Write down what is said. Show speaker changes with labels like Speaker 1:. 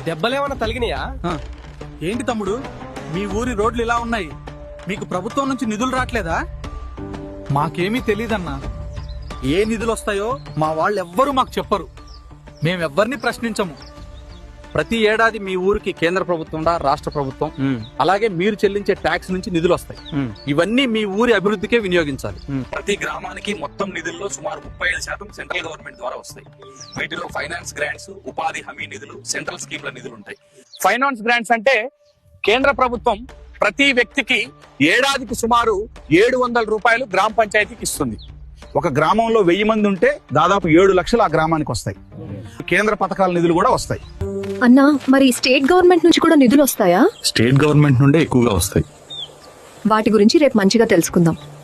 Speaker 1: దెబ్బలేమన్నా తలిగినాయా?
Speaker 2: ఏంటి తమ్ముడు, మీ ఊరి రోడ్లు ఇలా ఉన్నాయి, మీకు ప్రభుత్వం నుంచి నిధులు రావట్లేదా? మాకేమీ తెలీదన్నా. ఏ నిధులు వస్తాయో మా వాళ్ళు ఎవ్వరూ మాకు చెప్పరు. మేమెవ్వరిని ప్రశ్నించము. ప్రతి ఏడాది మీ ఊరికి కేంద్ర ప్రభుత్వం రాష్ట్ర ప్రభుత్వం అలాగే మీరు చెల్లించే ట్యాక్స్ నుంచి నిధులు వస్తాయి. ఇవన్నీ మీ ఊరి అభివృద్ధికే వినియోగించాలి. ప్రతి గ్రామానికి మొత్తం నిధుల్లో సుమారు 35% సెంట్రల్ గవర్నమెంట్ ద్వారా వస్తాయి. వీటిలో ఫైనాన్స్ గ్రాంట్స్, ఉపాధి హామీ నిధులు, సెంట్రల్ స్కీమ్ల నిధులు ఉంటాయి. ఫైనాన్స్ గ్రాంట్స్ అంటే కేంద్ర ప్రభుత్వం ప్రతి వ్యక్తికి ఏడాదికి సుమారు 700 రూపాయలు గ్రామ పంచాయతీకి ఇస్తుంది. ఒక గ్రామంలో 1000 మంది ఉంటే దాదాపు 7 లక్షలు ఆ గ్రామానికి వస్తాయి. కేంద్ర పథకాల నిధులు కూడా వస్తాయి.
Speaker 3: అన్నా, మరి స్టేట్ గవర్నమెంట్ నుంచి కూడా నిధులు వస్తాయా?
Speaker 2: స్టేట్ గవర్నమెంట్ నుండే ఎక్కువగా వస్తాయి.
Speaker 3: వాటి గురించి రేపు మంచిగా తెలుసుకుందాం.